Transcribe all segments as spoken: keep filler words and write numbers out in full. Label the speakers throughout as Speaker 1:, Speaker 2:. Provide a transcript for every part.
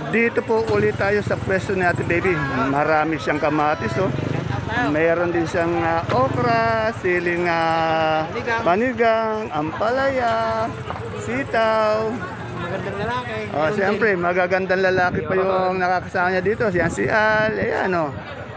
Speaker 1: Dito po ulit tayo sa pwesto ni Ate Baby. Marami siyang kamatis, oh. Mayroon din siyang ah, okra, siling ah, panigang, ampalaya, sitaw.
Speaker 2: Magandang lalaki.
Speaker 1: Oh, siyempre, magagandang lalaki pa yung nakakasama niya dito. Siyan si Al, ayan, oh.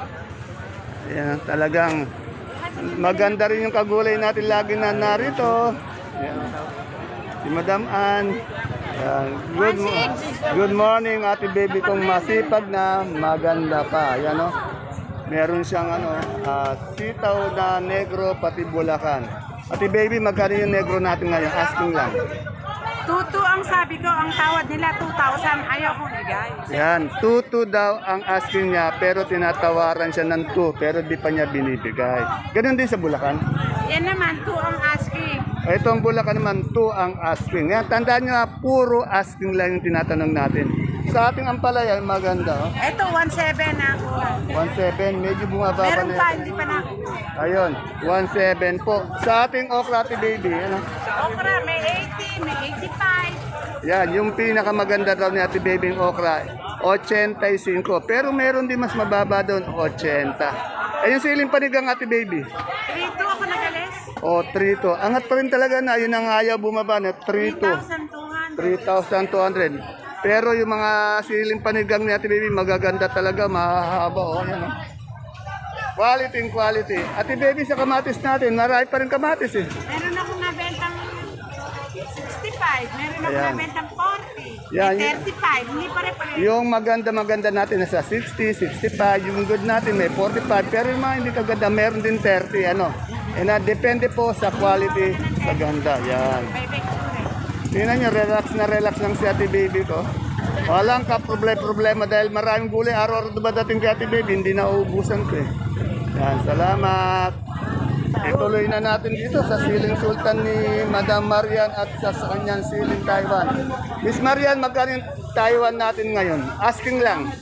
Speaker 1: Ayan, talagang maganda rin yung kagulay natin lagi na narito. Ayan. Si Madam Ann. Ayan. Good, mo- good morning, Ate Baby kong masipag na maganda pa. Ayan, oh. Meron siyang ano, ah, sitaw na negro pati bulakan. Ate Baby, magkano yung negro natin ngayon? Asking lang.
Speaker 3: Tutu ang sabi ko, ang tawad nila two thousand, ayaw kong igay.
Speaker 1: Yan, two two daw ang asking niya pero tinatawaran siya ng two pero di pa niya binibigay. Ganun din sa Bulacan.
Speaker 3: Yan naman, two ang asking.
Speaker 1: Itong Bulacan naman, two ang asking. Yan, tandaan niyo, ha, puro asking lang yung tinatanong natin. Sa ating ampalaya, maganda. Oh.
Speaker 3: Ito, one seven na ako.
Speaker 1: one seven, medyo bumababa
Speaker 3: Meron
Speaker 1: na
Speaker 3: pa,
Speaker 1: ito.
Speaker 3: hindi pa na.
Speaker 1: Ayun, one seven po. Sa ating okra, Ate Baby, ano?
Speaker 3: Okra, may eighty, may eighty-five.
Speaker 1: Yan, yung pinakamaganda daw ni Ate Baby yung okra, eighty-five. Pero meron din mas mababa doon, eighty. Eh, yung siling panigang, Ate Baby.
Speaker 3: three two ako nagalis.
Speaker 1: O, three two. Angat pa rin talaga na, yun ang ayaw bumaba na, three two.
Speaker 3: three thousand two hundred.
Speaker 1: three thousand two hundred. Pero yung mga siling panigang ni Ate Baby, magaganda talaga, mahahaba. O, yan, o. Quality and quality. Ate Baby, sa kamatis natin, marami pa rin kamatis eh.
Speaker 3: Meron akong nabentang sixty-five, meron akong
Speaker 1: Ayan.
Speaker 3: nabentang forty,
Speaker 1: Yan,
Speaker 3: may
Speaker 1: y-
Speaker 3: thirty-five, hindi pa rin pa rin.
Speaker 1: Yung maganda-maganda natin nasa sixty, sixty-five, yung good natin may forty-five, pero yung mga hindi kaganda, meron din thirty, ano. E na, depende po sa quality, sa ganda. Yan.
Speaker 3: Bebe,
Speaker 1: Tingnan nyo, relax na relax lang si Ate Baby ko. Walang ka-problema dahil maraming gulay. Araw-araw dumadating kay Ate Baby, hindi na uubusan ko eh. Yan, salamat. Ituloy na natin dito sa siling sultan ni Madam Marian at sa, sa kanyang siling Taiwan. Miss Marian, magkano yung Taiwan natin ngayon? Asking lang.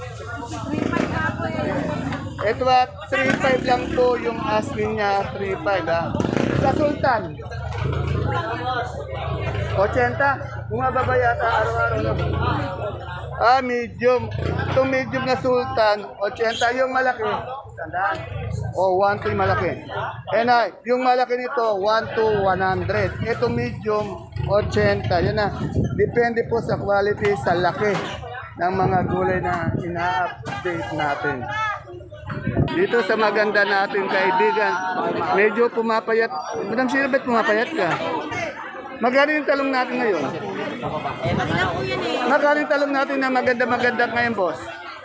Speaker 1: Ito at three five lang po yung asking niya, three five ha. Sa sultan, eighty, bumababa yata araw-araw na. Ah, medium. Itong medium na sultan, eighty. Yung malaki, sandaan. O, one to yung malaki. And ah, yung malaki nito, one to one hundred. Ito medium, eighty. Yan na. Depende po sa quality, sa laki ng mga gulay na ina-update natin. Dito sa maganda nating kaibigan, medyo pumapayat. Madam Silbet, pumapayat ka. Magkano yung talong natin ngayon? Magkano yung talong natin na maganda-maganda ngayon, boss?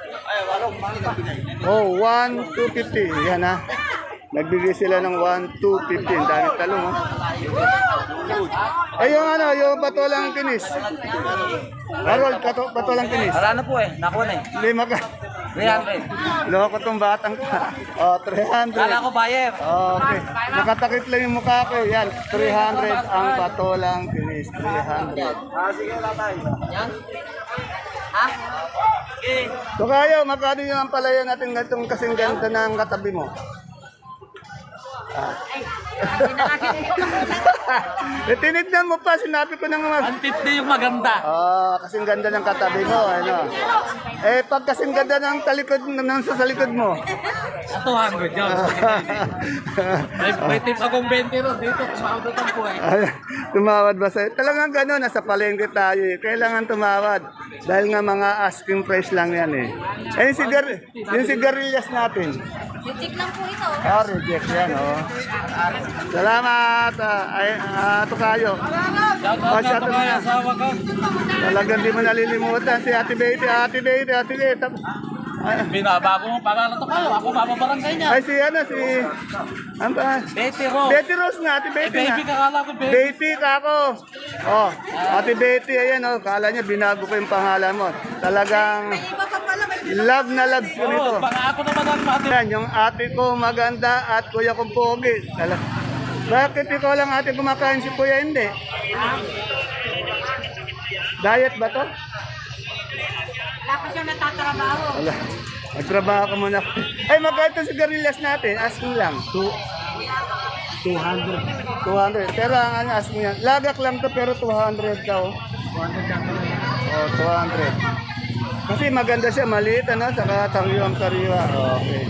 Speaker 1: Oh, one two fifty. Yan ha. Nagbigay sila ng one two fifty. Ang dami talong, oh. Ay, yung ano, yung patolang kinis. Harold, kato, patolang kinis.
Speaker 2: Wala na po eh, nakuha na eh.
Speaker 1: Lima ka.
Speaker 2: three hundred.
Speaker 1: Loko tong batang ka. Oh, three hundred.
Speaker 2: Kala ko buyer.
Speaker 1: Okay. Nakatakip lang yung mukha ko. Yan, three hundred ang patolang kinis. three hundred.
Speaker 2: Ah, sige, wala tayo. Yan? Ha? Okay.
Speaker 1: So kayo, magkano yung ampalaya natin itong kasing ganda ng katabi mo? Ah. Eh, tinignan mo pa, sinabi ko nang mag...
Speaker 2: one fifty yung maganda.
Speaker 1: Oh, kasing ganda ng katabi mo, ano. Eh, pag kasing ganda ng talikod, ng sa likod mo.
Speaker 2: two hundred yun. May, may tip akong twenty ron dito. Kumakautotan po eh.
Speaker 1: Ay, tumawad ba sa'yo? Talagang gano'n, nasa palengke tayo eh. Kailangan tumawad. Dahil nga mga asking price lang yan eh. Eh, yung, sigar yung sigarilyas natin.
Speaker 3: Reject lang po ito.
Speaker 1: Ah, reject yan, oh. Salamat, ah, ay, ah, Tukayo. Oh, shout out na.
Speaker 2: Asawa ko.
Speaker 1: Talagang di mo nalilimutan si Ate Betty, Ate Betty, Ate Betty. Ay,
Speaker 2: Binabago mo pangalan to kayo. Ako bababarangay niya.
Speaker 1: ay, si ano, si... Ano ba?
Speaker 2: Betty Rose.
Speaker 1: Betty Rose nga, Ate
Speaker 2: Eh,
Speaker 1: Betty
Speaker 2: baby,
Speaker 1: nga.
Speaker 2: kakala ko baby.
Speaker 1: Betty ka ako. Oh, Ate Betty, ayan oh, kala niya binago ko yung pangalan mo. Talagang
Speaker 3: Iba pa pala, may
Speaker 1: love na love ko nito.
Speaker 2: Oo, baka ako naman ang mati.
Speaker 1: Yan, yung ate ko maganda at kuya kong pogi. Tala- Bakit ikaw lang ate kumakain si kuya hindi? Diet ba to?
Speaker 3: wala pa siya natatrabaho.
Speaker 1: Wala. Magtrabaho ka muna. Ay, magkano itong sigarilyas natin? Asking lang. Two. two hundred. two hundred. Pero ang ano, asking yan. Lagak lang to pero two hundred daw. two hundred lang. Oh, two hundred. Kasi maganda siya, maliit ano, saka sariwang-sariwa. Okay.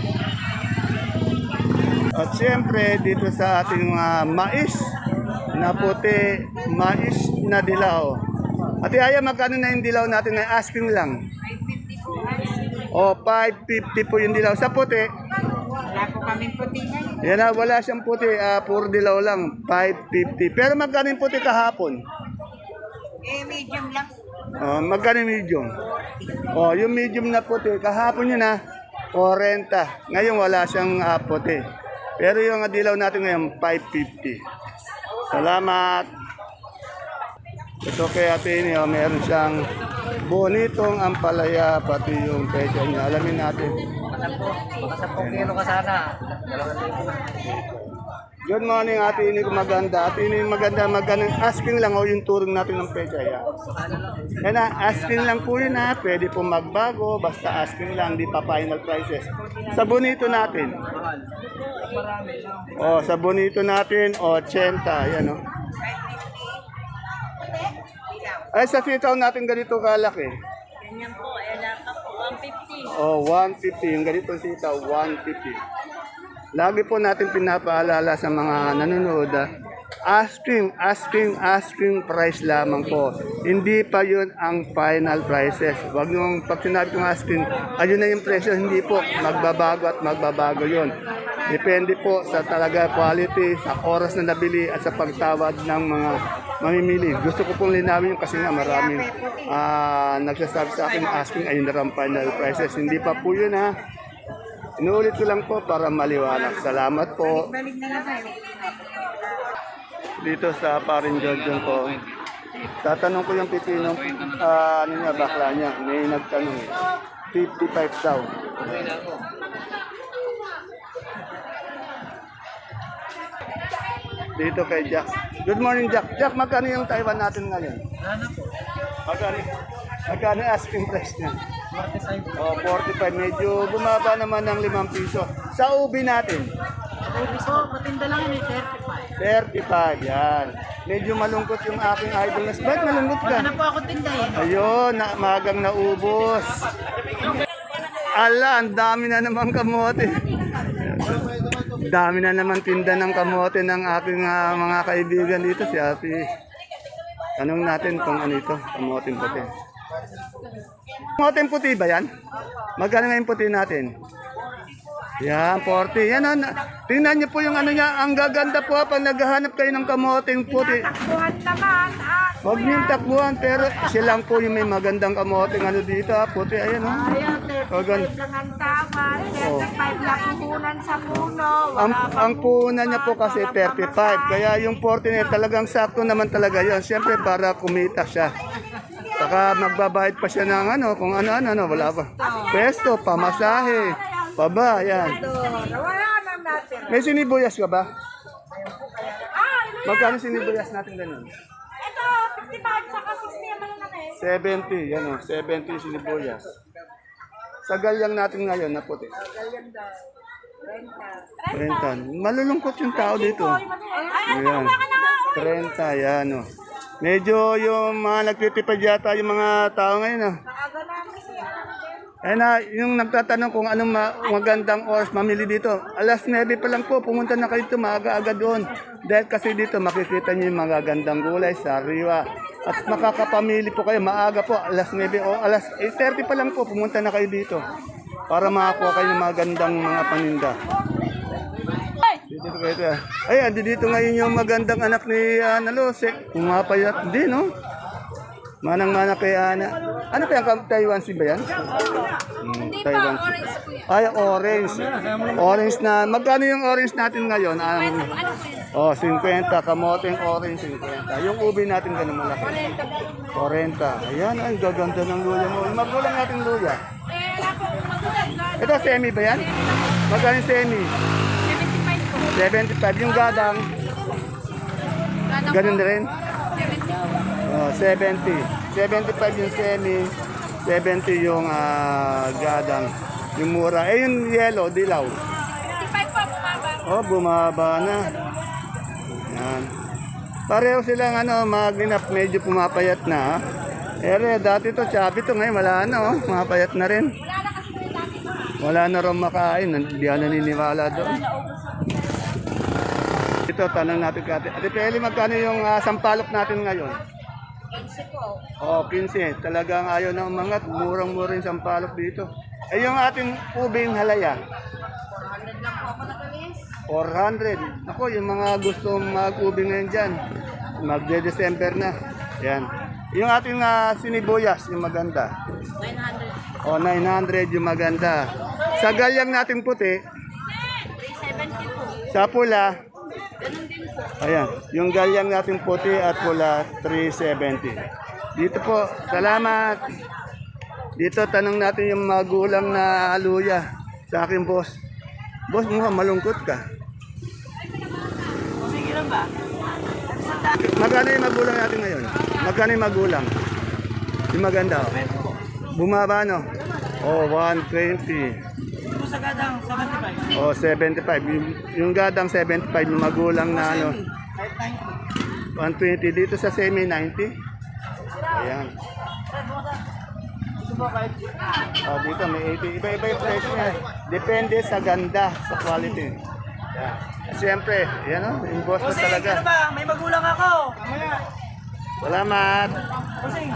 Speaker 1: At siyempre, dito sa ating mga mais na puti, mais na dilaw. Ate Aya, magkano na yung dilaw natin na asking lang? O, five fifty po yung dilaw. Sa puti,
Speaker 3: Wala po kaming puti ngayon.
Speaker 1: yan na, wala siyang puti, ah, puro dilaw lang, five fifty. Pero magkano yung puti kahapon?
Speaker 3: Eh, medium lang.
Speaker 1: Oh, magkano yung medium? Oh, yung medium na puti, kahapon yun na, forty. Ngayon wala siyang ah, puti. Pero yung dilaw natin ngayon, five fifty. Salamat. Ito kay Ate Ini, oh, meron siyang bonitong ampalaya, pati yung pecha niya. Alamin natin.
Speaker 2: Kung kilo ka sana.
Speaker 1: Good morning, Ate Ini, maganda. Ate Ini, maganda, maganda. Asking lang, oh, yung turong natin ng pecha. Yan. Yan na, asking lang po yun ha. Pwede po magbago, basta asking lang, di pa final prices. Sa bonito natin. Oh, sa bonito natin, eighty. Yan, oh. Ay, sa sitaw natin ganito kalaki.
Speaker 3: Ganyan po, eh, laka po, one fifty.
Speaker 1: Oh, one fifty. Yung ganito sitaw, one fifty. Lagi po natin pinapaalala sa mga nanonood, ah, asking, asking, asking price lamang po. Hindi pa yun ang final prices. Huwag nung pag sinabi kong asking, ayun na yung presyo. Hindi po, magbabago at magbabago yun. Depende po sa talaga quality, sa oras na nabili at sa pagtawad ng mga mamimili. Gusto ko pong linawin yun kasi nga maraming ah, nagsasabi sa akin asking ayun na ang final prices. Hindi pa po yun ha. Inuulit ko lang po para maliwanag. Salamat po.
Speaker 3: Balik na lang tayo.
Speaker 1: Dito sa parin Jojon ko. Tatanong ko yung pipinong ah, ano niya, bakla niya. May nagtanong. fifty-five daw. Dito kay Jack. Good morning, Jack. Jack, magkano yung Taiwan natin ngayon? Magkano? Magkano yung asking price niya? Oh, forty-five. Medyo bumaba naman ng limang piso. Sa ubi natin?
Speaker 3: Baby po, matinda lang yun, thirty-five.
Speaker 1: thirty-five, yan. Medyo malungkot yung aking idol. Bakit malungkot ka?
Speaker 3: Ano po ako tinda eh?
Speaker 1: Ayun, na, magang naubos. Ala, ang dami na naman kamote. Dami na naman tinda ng kamote ng aking ah, mga kaibigan dito. Si Ate. Tanong natin kung ano ito, kamote puti. Kamote puti ba yan? Magkano nga yung puti natin? Yan, forty. Yan, ah, na- tingnan niyo po yung ano niya. Ang gaganda po ah, pag naghahanap kayo ng kamoteng puti.
Speaker 3: Takbuhan naman, ah.
Speaker 1: Huwag niyong takbuhan, pero silang po yung may magandang kamoteng ano dito, ah, puti, ayan, oh.
Speaker 3: Ayan,
Speaker 1: Oh, gan-
Speaker 3: thirty-five lang ang tawad, thirty-five lang puhunan sa puno.
Speaker 1: ang,
Speaker 3: Wala
Speaker 1: ang
Speaker 3: pang
Speaker 1: puhunan niya po
Speaker 3: upat,
Speaker 1: kasi
Speaker 3: walang
Speaker 1: thirty-five,
Speaker 3: pamasahe.
Speaker 1: kaya yung forty niya talagang sakto naman talaga yon. Siyempre para kumita siya. Saka magbabayad pa siya ng ano, kung ano-ano, ano, wala pa. Pesto, pamasahe, paba, yan.
Speaker 3: Wala nang natin.
Speaker 1: May sinibuyas ka ba?
Speaker 3: Ah,
Speaker 1: Magkano sinibuyas natin ganun?
Speaker 3: ito, fifty-five saka sixty naman lang eh.
Speaker 1: seventy, yan o, seventy yung sinibuyas. Sa galyang natin ngayon na puti. trenta. Malulungkot yung tao dito.
Speaker 3: Ay,
Speaker 1: Ayan. trenta, yan o. Medyo yung mga nagtitipid yata yung mga tao ngayon o.
Speaker 3: aga namin siya.
Speaker 1: Ayun na, yung nagtatanong kung anong ma- magandang oras mamili dito. Alas nine pa lang po, pumunta na kayo dito, maaga-aga doon. Dahil kasi dito makikita niyo yung magagandang gulay, sariwa. At makakapamili po kayo, maaga po, alas nine o alas eight thirty pa lang po, pumunta na kayo dito. Para makakuha kayo ng magandang mga paninda. Dito kayo ito. Ay, andi dito ngayon yung magandang anak ni Ana Lose. Pumapayat din, no? Manang-mana kay Ana. Ano kaya ang Taiwan si ba yan? Hmm, Taiwan si. Ay, orange. Orange na. Magkano yung orange natin ngayon? Ang oh, fifty. Kamoteng orange, fifty. Yung ubi natin ganun malaki. forty. Ayan, ay, gaganda ng luya mo. Magulang natin luya. Ito, semi ba yan? Magkano yung semi?
Speaker 3: seventy-five po.
Speaker 1: seventy-five. Yung gadang, ganun na rin. Oh, seventy. seventy-five yung semi, seventy yung ah, gadang. Yung mura. Eh, yung yellow, dilaw.
Speaker 3: fifty-five po, bumaba.
Speaker 1: Oh, bumaba na. Yan. Pareho silang ano, magninap, medyo pumapayat na. Ha? Ere, dati to, chubby to. Ngayon, wala na, oh. Mapayat na rin. Wala na rin makain. Hindi na naniniwala doon. Ito, tanong natin kati. Ate Peli, magkano yung ah, sampalok natin ngayon?
Speaker 3: Kasi po.
Speaker 1: Oh, fifteen. Talagang ayaw na umangat. Murang-mura yung sampalok dito. Eh, yung ating ubing halaya?
Speaker 3: Lang po ako nakalis.
Speaker 1: four hundred. Ako, yung mga gustong mag-ubing ngayon dyan. Magde-December na. Yan. Yung ating ah, sinibuyas, yung maganda.
Speaker 3: nine hundred.
Speaker 1: O, nine hundred yung maganda. Sa galyang natin puti,
Speaker 3: three seventy po.
Speaker 1: sa pula,
Speaker 3: Ganun din po.
Speaker 1: ayan, yung galyang natin puti at pula, three seventy. Dito po, salamat. Dito, tanong natin yung magulang na aluya sa aking boss. Boss, mukhang malungkot ka.
Speaker 3: Sige lang ba?
Speaker 1: Magkano yung magulang natin ngayon? Magkano yung magulang? Yung maganda, oh. Bumaba, no? Oh, one twenty.
Speaker 3: Ito sa gadang, seventy-five.
Speaker 1: Oh, seventy-five. Yung, yung gadang seventy-five, yung magulang na ano. one twenty dito sa semi ninety. Ayan. Oh, dito may eighty. Iba-iba yung price niya. Depende sa ganda, sa quality. Ayan. Siyempre, yan o, yung boss ko talaga.
Speaker 3: Ano ba? May magulang ako. Mamaya.
Speaker 1: Salamat.
Speaker 3: Kusing.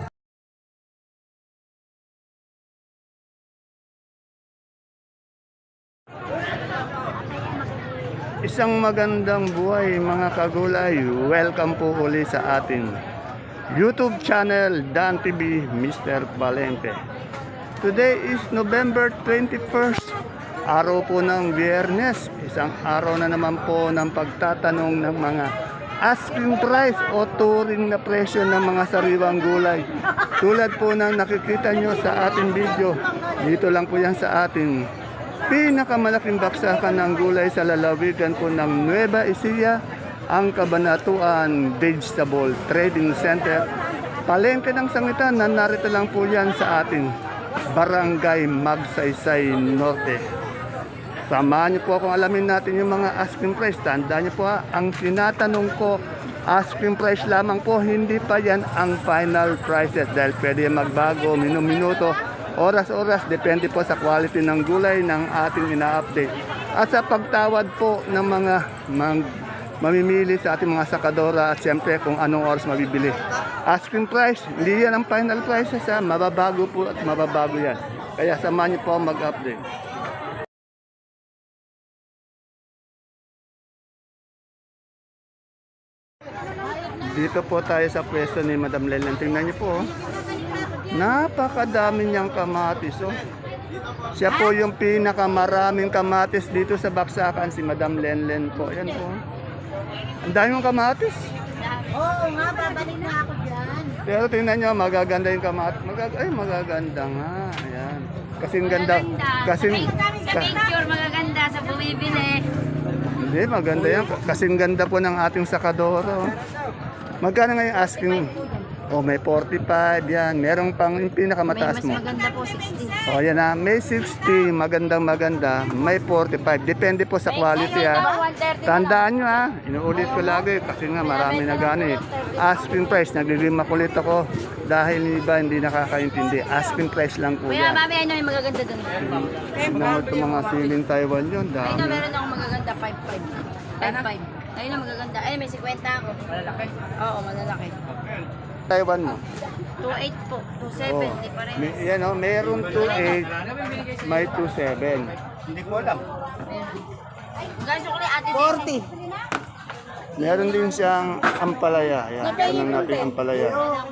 Speaker 1: Isang magandang buhay mga kagulay. Welcome po uli sa ating YouTube channel Dan T V mister Palengke. Today is November twenty-first, araw po ng Biyernes. Isang araw na naman po ng pagtatanong ng mga asking price o turing na presyo ng mga sariwang gulay. Tulad po ng nakikita nyo sa ating video, dito lang po yan sa ating pinakamalaking baksakan ng gulay sa lalawigan po ng Nueva Ecija, ang Cabanatuan Vegetable Trading Center. Palengke ng Sangitan na narito lang po yan sa ating Barangay Magsaysay Norte. Samahan niyo po akong alamin natin yung mga asking price. Tandaan niyo po ha, ang tinatanong ko, asking price lamang po, hindi pa yan ang final prices dahil pwede magbago minuminuto, oras-oras, depende po sa quality ng gulay ng ating ina-update. At sa pagtawad po ng mga mang, mamimili sa ating mga sakadora at siyempre kung anong oras mabibili. Asking price, hindi yan ang final prices ha, mababago po at mababago yan. Kaya samahan niyo po mag-update. Dito po tayo sa pwesto ni Madam Lelen. Tingnan niyo po. Oh. Napakadami niyang kamatis. Oh. Siya po yung pinakamaraming kamatis dito sa baksakan, si Madam Lenlen po. Ayan po. Ang dami mong kamatis.
Speaker 3: Oo nga, babalik na ako dyan.
Speaker 1: Pero tingnan niyo, magaganda yung kamatis. Magag Ay, magaganda nga. Ayan. Kasing ganda. Kasing,
Speaker 3: Sa picture, magaganda sa bumibili.
Speaker 1: Hindi, maganda yan. Kasing ganda po ng ating sakadoro. Magkano ngayon asking? Oh, may forty-five yan. Merong pang yung pinakamataas mo.
Speaker 3: Maganda po, sixty.
Speaker 1: Oh, yan na. May sixty, magandang maganda. May forty-five. Depende po sa quality ha. Tandaan nyo ha. Inuulit ko lagi kasi nga marami na gano'n eh. Asking price, nagiging makulit ako dahil iba hindi nakakaintindi. Asking price lang po
Speaker 3: Kuya,
Speaker 1: yan.
Speaker 3: mami, ano yung magaganda dun?
Speaker 1: Tignan mo itong mga siling Taiwan yun.
Speaker 3: Ayun
Speaker 1: Dami.
Speaker 3: na, meron akong magaganda, five five. five five. Ayun na, magaganda. Ay, may fifty ako. Malalaki? Oo, malalaki.
Speaker 1: Taiwan mo.
Speaker 3: two eight po. two seven,
Speaker 1: Oh.
Speaker 3: di pa rin.
Speaker 1: May, yan o, mayroon two eight, may two seven. Hindi ko alam.
Speaker 3: Guys, yung kulay ate forty.
Speaker 1: Meron din siyang ampalaya. Yan, tanong natin ampalaya.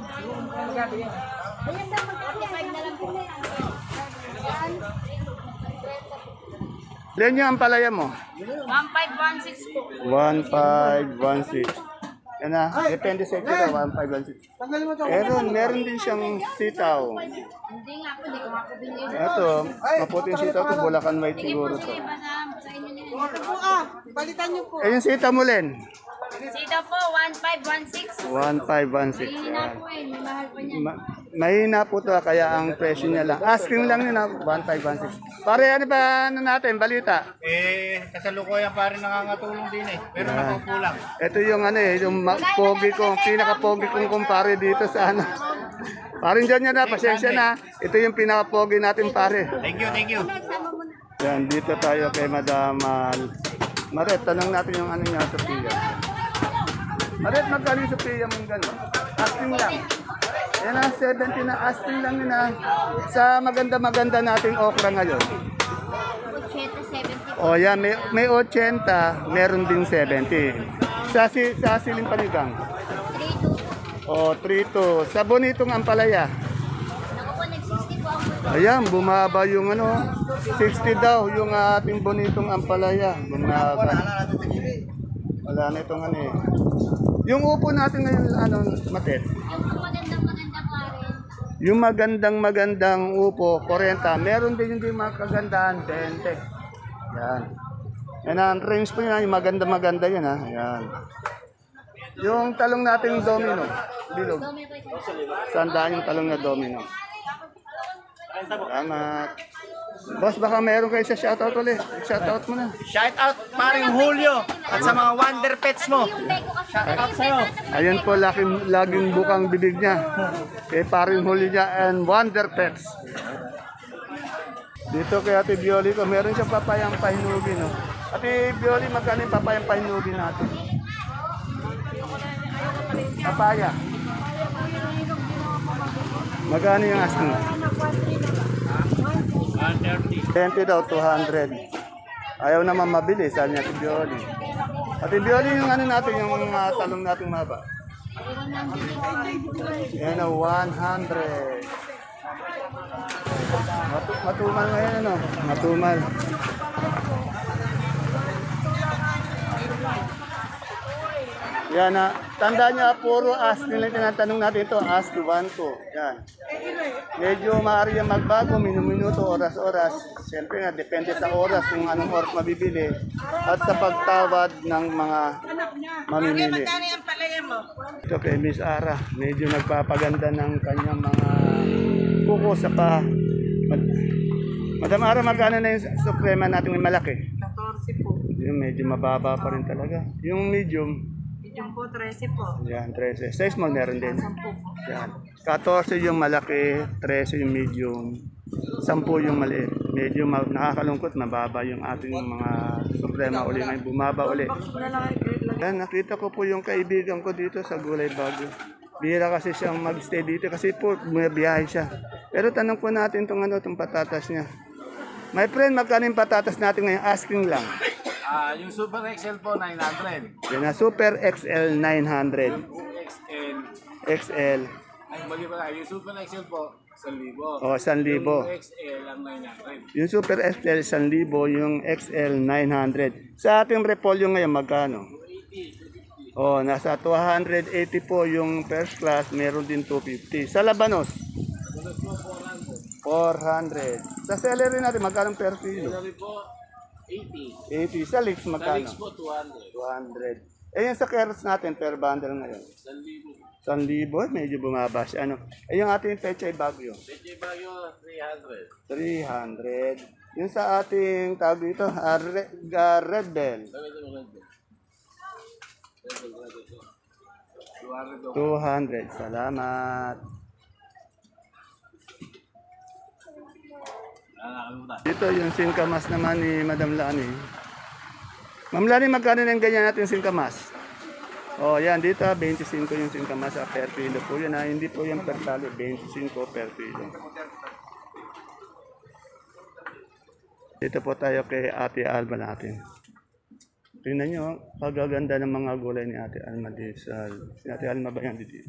Speaker 1: Ilan yung ampalaya mo?
Speaker 3: one five one six po.
Speaker 1: one five one six. Yan na, depende sa ito one five one six. Meron, meron din siyang sitaw.
Speaker 3: Hindi nga po, hindi ko nga po binili.
Speaker 1: Ito, maputing sitaw to, Bulacan White siguro to.
Speaker 3: Iba sa, sa inyo nila.
Speaker 1: Eh, yung sitaw mo, Len?
Speaker 3: Sito po, one five one six.
Speaker 1: one five one six.
Speaker 3: Mahina po eh, may mahal pa niyan.
Speaker 1: Ma- mahina po to kaya ang presyo niya lang. Asking lang yun, ah, one five one six. Pare, ano ba ano natin, balita?
Speaker 2: Eh, kasalukuyan pa rin nangangatulong din eh. Pero nakukulang.
Speaker 1: Ito yung ano eh, yung ma- pogi ko, pinaka-pogi kong kumpare dito sa ano. Parin dyan yan na, pasensya na. Ito yung pinaka-pogi natin pare.
Speaker 2: Thank you, thank you.
Speaker 1: Yan, dito tayo kay Madam uh, Maret, tanong natin yung ano niya, Sophia. Maret, magkano yung Sophia mong gano'n? Asking lang. Yan na, seventy na, asking lang yun na. Sa maganda-maganda nating okra ngayon.
Speaker 3: Ocheta, seventy.
Speaker 1: O yan, may, may eighty, meron din seventy. Sa, si, sa siling panigang.
Speaker 3: three two.
Speaker 1: O, three two. Sa bonitong ampalaya.
Speaker 3: Naku po, nag-sixty po ako.
Speaker 1: Ayan, bumaba yung ano, sixty daw yung ating bonitong ampalaya. Bumaba. Wala na itong ano eh. Yung upo natin ngayon, ano, Matet?
Speaker 3: Yung magandang maganda pa rin.
Speaker 1: Yung magandang magandang upo, forty. Meron din yung di mga kagandahan, twenty. Yan. Yan ang range po yun, yung maganda maganda yun ha. Yan. Yung talong natin domino, bilog.
Speaker 3: Dumi po ito.
Speaker 1: Sandaan yung talong na domino. Salamat. Boss, baka meron kayo sa shoutout ulit. Shoutout mo na.
Speaker 2: Shout out paring Julio at sa mga Wonder Pets mo. Shout out sa'yo.
Speaker 1: Ayan po, laging, laging bukang bibig niya. Kay paring huli niya and Wonder Pets. Dito kay Ate Bioli ko, meron siyang papayang pahinugi, no? Ate Bioli, magkano yung papayang pahinugi natin? Papaya. Magkano yung asking?
Speaker 2: one thirty.
Speaker 1: twenty daw, two hundred. Ayaw naman mabili, sabi niya Ate Bioli. Ate Bioli, yung ano natin, yung uh, talong natin maba. Yan o, one hundred. Matu matumal ngayon, ano? Matumal. Yan na. Tandaan niya, puro ask nila tinatanong natin ito. Ask one, two. Yan. Medyo maaari yung magbago, minuminuto, oras-oras. Siyempre nga, depende sa oras kung anong oras mabibili. At sa pagtawad ng mga mamimili. Ito kay Miss Ara, medyo nagpapaganda ng kanyang mga kuko sa pa. Mad- Madam Ara, magkano na yung suprema natin yung malaki?
Speaker 4: fourteen po.
Speaker 1: Yung medyo mababa pa rin talaga. Yung medium,
Speaker 4: Medium po, thirteen po.
Speaker 1: yan, thirteen. Size mo meron din.
Speaker 4: ten po.
Speaker 1: Yan. fourteen yung malaki, thirteen yung medium, ten yung maliit. Medyo ma- nakakalungkot, mababa yung ating mga suprema uli ngayon. Bumaba uli. Yan, nakita ko po yung kaibigan ko dito sa Gulay Bago. Bihira kasi siyang mag-stay dito kasi po bumibiyahe siya. Pero tanong po natin itong ano, itong patatas niya. My friend, magkano yung patatas natin ngayon? Asking lang.
Speaker 2: Ah, yung Super X L po nine hundred.
Speaker 1: Yan na, Super X L nine hundred.
Speaker 2: X L.
Speaker 1: X L.
Speaker 2: Ay, mali pala. Yung Super X L po, one thousand.
Speaker 1: O, one thousand.
Speaker 2: Yung X L ang nine hundred.
Speaker 1: Yung Super X L, one thousand. Yung X L, nine hundred. Sa ating repolyo ngayon, magkano? O, nasa two hundred eighty po yung first class. Meron din two fifty. Sa Labanos? four hundred. Sa celery natin, magkano per kilo?
Speaker 2: Sabi po, eighty.
Speaker 1: eighty. Sa leeks,
Speaker 2: Sa
Speaker 1: magkano?
Speaker 2: Leaks po, two hundred.
Speaker 1: two hundred. Eh, yung sa carrots natin, per bundle ngayon?
Speaker 2: one thousand.
Speaker 1: one thousand, medyo bumaba siya. Ano? Eh, yung ating pechay bagyo?
Speaker 2: Pwede Bayo, three hundred.
Speaker 1: three hundred. Yung sa ating tawag dito, uh, red, uh, red bell,
Speaker 2: Sabi ito mo ito. two hundred.
Speaker 1: two hundred. Salamat. Dito yung singkamas naman ni Madam Lani. Ma'am Lani, magkano na yung ganyan natin singkamas? Oh, yan dito twenty-five yung singkamas ah, per kilo po yun ah. Hindi po yung per tali, twenty-five per kilo. Dito po tayo kay Ate Alba natin. Tingnan nyo, pagaganda ng mga gulay ni Ate Alma dito. sa- Si Ate Alma ba yan dito?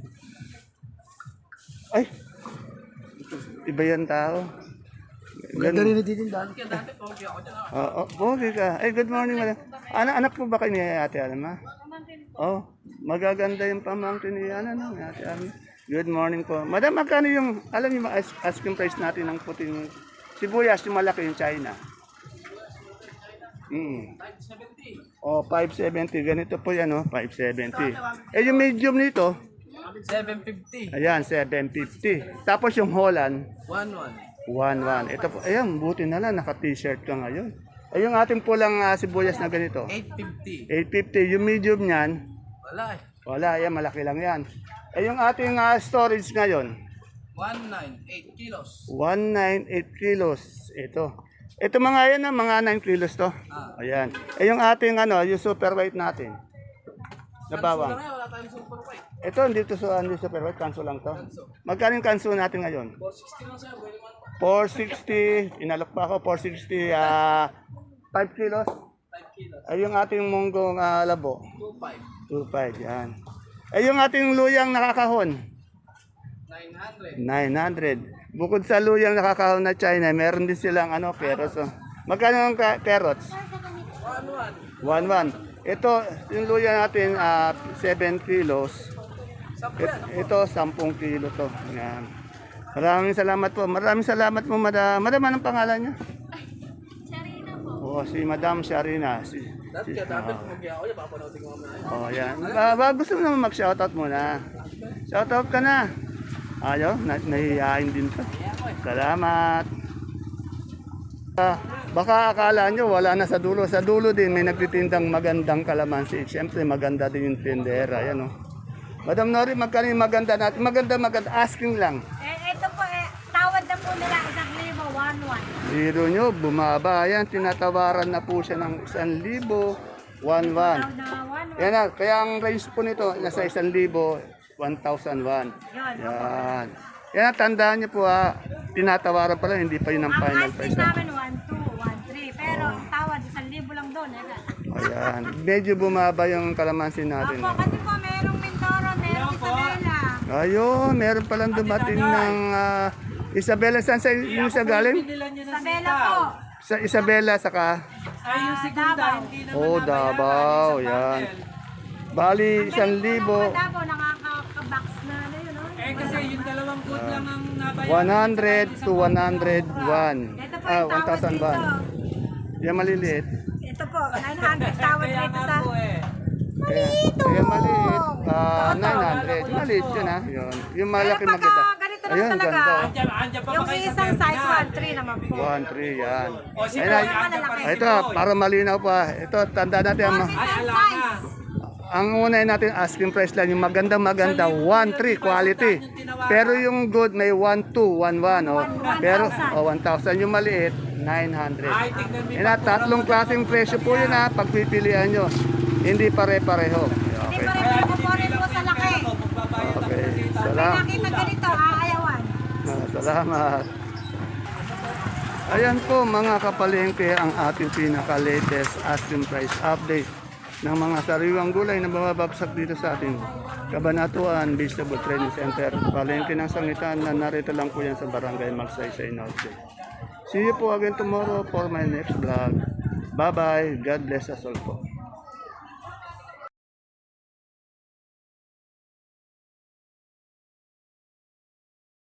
Speaker 1: Ay! Iba yan tao. Ganda rin dito daan. Oo, oh, pogi ka. Ay, good morning, madam. Anak, anak po ba kayo ni Ate Alma? Oh, magaganda yung pamangkin ni ano, no, ni Ate Alma. Good morning po. Madam, magkano yung, alam niyo, yung ice- asking price natin ng puting sibuyas, yung malaki yung China? Mm. O, five seventy. Ganito po yan, oh, five seventy. Eh, yung medium nito,
Speaker 2: seven fifty.
Speaker 1: ayan, seven fifty. Tapos yung Holland,
Speaker 2: one one.
Speaker 1: one one. Ito po, ayan, buti na lang, naka-t-shirt ka ngayon. Ay, yung ating pulang ah, sibuyas na ganito,
Speaker 2: eight fifty.
Speaker 1: eight fifty. Yung medium niyan,
Speaker 2: Wala eh.
Speaker 1: wala, yan, malaki lang yan. Eh, yung ating ah, storage ngayon,
Speaker 2: one nine eight kilos.
Speaker 1: one ninety-eight kilos. Ito. Ito mga yan, ah, mga nine kilos to.
Speaker 2: Ah.
Speaker 1: Ayan. Eh, yung ating, ano, yung super white natin. Na
Speaker 2: Kanso
Speaker 1: bawang.
Speaker 2: lang eh, wala tayong super white.
Speaker 1: Ito, dito sa hindi super white, kanso lang to. Magkano yung kanso natin ngayon?
Speaker 2: four sixty lang sa'yo, pwede man.
Speaker 1: four sixty, inalok pa ako, four sixty, ah, five kilos.
Speaker 2: five kilos.
Speaker 1: Ay, yung ating munggong ah, labo,
Speaker 2: two five.
Speaker 1: two five, yan. Ay, yung ating luyang nakakahon,
Speaker 2: nine hundred.
Speaker 1: nine hundred. Bukod sa luyang nakakahon na China, meron din silang ano, carrots. Oh. Magkano ang ka- carrots?
Speaker 2: one one.
Speaker 1: one one. Ito, yung luya natin, ah, seven kilos.
Speaker 2: Sampo yan.
Speaker 1: It- ito, ten kilo to. Yan. Maraming salamat po. Maraming salamat po, madam. Madam, anong pangalan niya?
Speaker 3: Sarina po.
Speaker 1: Oo, si Madam Sharina. Si,
Speaker 2: Dati
Speaker 1: si,
Speaker 2: ka, dati pumagya ako yan, papanoodin ko mamaya.
Speaker 1: oh, yan. Ba, ba, gusto mo naman mag-shoutout muna. Shoutout ka na. Ayaw, na, nahihiyain din ka. Salamat. Ah, baka akala nyo wala na sa dulo. Sa dulo din may nagtitindang magandang kalamansi. Siyempre maganda din yung tindera. Yan, oh. Madam Nori, magkano yung maganda natin? Maganda, maganda. Asking lang.
Speaker 4: Eh, ito po, eh, tawad na po nila isang libo, one one.
Speaker 1: Zero nyo, bumaba. Yan, tinatawaran na po siya ng isang libo, one one.
Speaker 4: Na one one.
Speaker 1: Yan na, kaya ang range po nito, nasa isang libo, one thousand one.
Speaker 4: Yun.
Speaker 1: Yan. Yan, tandaan nyo po ha, tinatawaran pa lang, hindi pa yun ang
Speaker 4: Ang
Speaker 1: final
Speaker 4: asking
Speaker 1: price. ha.
Speaker 4: namin one two, one three. Pero ang tawad isang libo lang doon. Eh.
Speaker 1: Ayan, medyo bumaba yung kalamansi natin.
Speaker 4: Opo, kasi po merong Mindoro, merong Isabela.
Speaker 1: Ayun, meron palang dumating ng ah, Isabela. Saan sa yung isa galing?
Speaker 4: Isabela po.
Speaker 1: Sa Isabela, saka,
Speaker 2: Ay, yung
Speaker 4: segunda,
Speaker 2: hindi
Speaker 1: oh, Davao, yan. Bali, isang libo,
Speaker 4: Mga Davao, nakaka-box na ano yun. Oh.
Speaker 2: Eh, kasi yung dalawang food lang ang nabayaran.
Speaker 1: one hundred to one hundred one.
Speaker 4: Ito po
Speaker 1: Ah,
Speaker 4: yung tawad
Speaker 1: one thousand
Speaker 4: dito.
Speaker 1: one. Yan maliliit.
Speaker 4: Ito po, nine hundred tawad
Speaker 2: Kaya
Speaker 4: dito
Speaker 2: nga
Speaker 4: sa...
Speaker 2: po eh.
Speaker 1: Kaya, kaya maliit. Ah, nine hundred. Maliit yun ha. Yun. Yung malaki
Speaker 4: Pero pagka
Speaker 1: maganda.
Speaker 4: ganito lang
Speaker 1: Ayun,
Speaker 4: talaga,
Speaker 1: ganda.
Speaker 2: Andyan, andyan pa ba
Speaker 4: Yung
Speaker 2: kayo sa
Speaker 4: isang size
Speaker 2: terminal?
Speaker 4: one three naman po.
Speaker 1: one, three, yan.
Speaker 2: O, si
Speaker 1: Ayun,
Speaker 2: Boy,
Speaker 1: ay-
Speaker 2: andyan pa rin si
Speaker 1: Ito,
Speaker 2: Boy.
Speaker 1: para malinaw pa. Ito, tanda natin. Ang,
Speaker 2: Ay,
Speaker 4: Isang
Speaker 2: ala
Speaker 4: size.
Speaker 2: na.
Speaker 1: ang unay natin, asking price lang. Yung maganda maganda, one, three, quality. Pero yung good, may one, two, one, one. Oh. Pero, oh, one thousand. Yung maliit, nine hundred.
Speaker 2: Ay, tignan mo.
Speaker 1: Yan na, tatlong klaseng presyo po yun ha, pagpipilian nyo. Hindi pare-pareho.
Speaker 4: Hindi
Speaker 1: Okay.
Speaker 4: pa rin po po rin po sa laki.
Speaker 1: Okay.
Speaker 4: May
Speaker 1: Salam.
Speaker 4: nakita ganito, aayawan.
Speaker 1: Ah, salamat. Ayan po mga kapalengke ang ating pinaka-latest asking price update ng mga sariwang gulay na bumabagsak dito sa ating Kabanatuan Vegetable Training Center. Palengke ng sangitan na narito lang po yan sa Barangay Magsaysay Norte. See you po again tomorrow for my next vlog. Bye-bye. God bless us all po.